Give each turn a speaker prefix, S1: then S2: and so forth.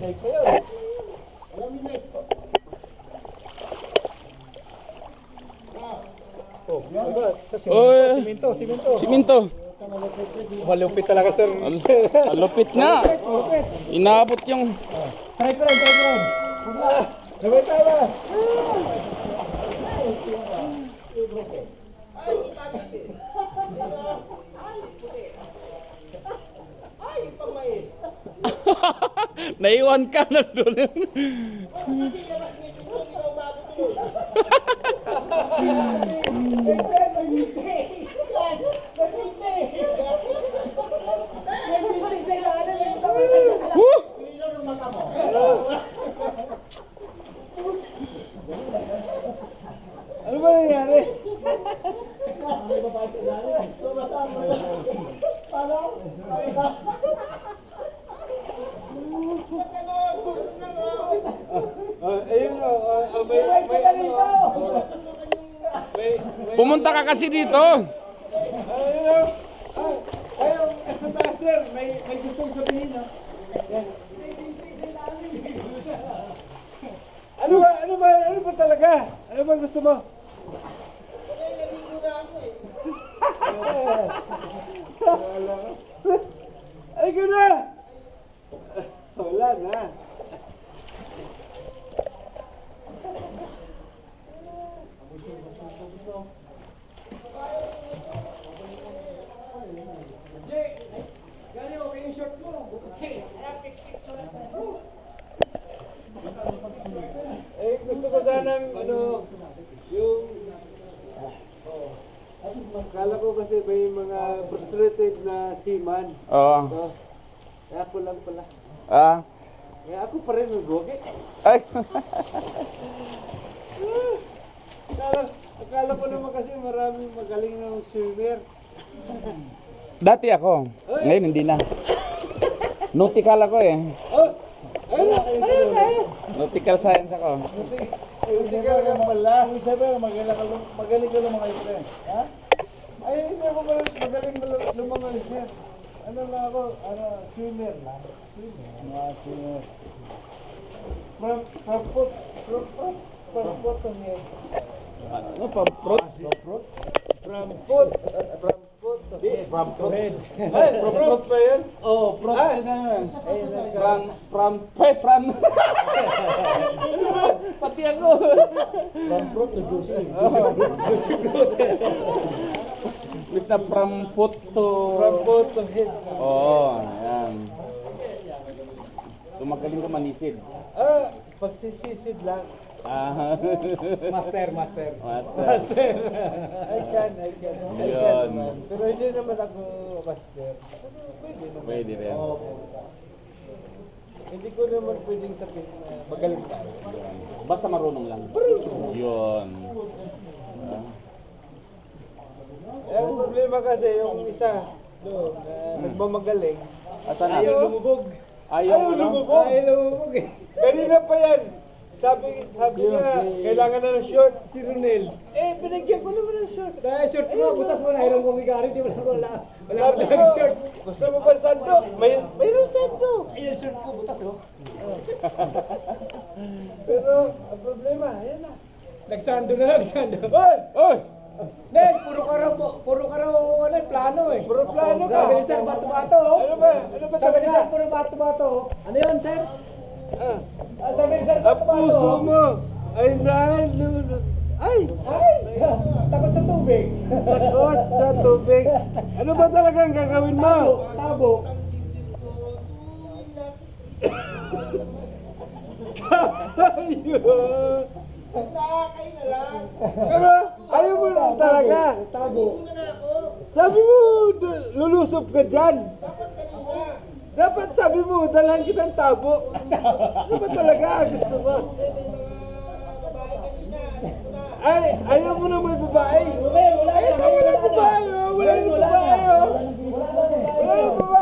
S1: midnight sa'yo. Alam midnight. Oh, simento.
S2: Siminto.
S1: Malupit talaga, sir.
S2: Malupit nga. Inabot yung...
S1: Try ko rin. Gawin tayo.
S2: Naiwan ka na doon.
S1: Ano ba nangyari?
S2: Pumunta ka kasi dito.
S1: Ayun, sa taas, sir, may gustong sabihin, ha? Ano ba talaga? Ano ba gusto mo? Ay, gano'n! Wala na. Eh, gusto ko sanang, yung... Akala ko kasi may mga frustrated na seaman.
S2: Oo.
S1: So, kaya ako lang pala. Kaya ako pa rin nag-gogi.
S2: Ay.
S1: Akala ko naman kasi maraming magaling na swimmer.
S2: Dati ako. Ngayon hindi na. Nautical ako eh.
S1: Ano
S2: Nautical science ako.
S1: Hindi ka lang pala. Sabi, magaling ka lumangoy, friend. Ha? Ay, hindi ako magaling lumangoy, sir. Ano lang ako? Swimmer lang. Swimmer. From foot.
S2: Ano pa? Fruit?
S1: From foot to head. Ay, from fruit pa yan?
S2: Oh, fruit
S1: Ah.
S2: na. From pati ako.
S1: From fruit to juicy.
S2: Juicy fruit. Please na from foot to...
S1: From foot to head.
S2: Oo, ayan. So magaling ka manisid.
S1: Pagsisisid lang.
S2: Master.
S1: I can.
S2: Yun.
S1: Man. Pero hindi naman ako master. Pwede naman.
S2: Pwede rin.
S1: Hindi ko naman pwedeng sabihin na magaling tayo.
S2: Basta marunong lang. Yun.
S1: Ang problema kasi yung isa doon na nagmamagaling.
S2: Asan na?
S1: Ayaw lumubog.
S2: Ayaw
S1: lumubog eh. Kanina pa yan. Sabi niya, kailangan na ng short. Si Ronel. Binigyan ko naman ng short. Dahil short mo, butas mo na. Hirang bumigari, di wala ko ng short. Gusto mo ba sando? Mayroon sando. Ayan, short ko, butas oh. Pero, ang problema, ayan na. Nagsando. Hoy! Nel, puro ka raw plano eh. Puro plano ka. Sabi ni Sir, bato-bato. Ano ba sabi ni Sir, puro bato-bato. Ano yun, Sir? Sabi ni Sir, bato-bato. Ang puso mo ay nalulog. Ay! Takot sa tubig. Takot sa tubig. Ano ba talagang gagawin mo? Tabo. Kayo na lang. Pero ayaw mo lang talaga. Tabo. Sabi mo, lulusob ka dyan. Dapat sabi mo, dalhan kitang tabo. Ano ba talaga? Gusto mo? Ay, ayaw mo na may babae. Ay, ito walang babae. Walang babae. Walang babae.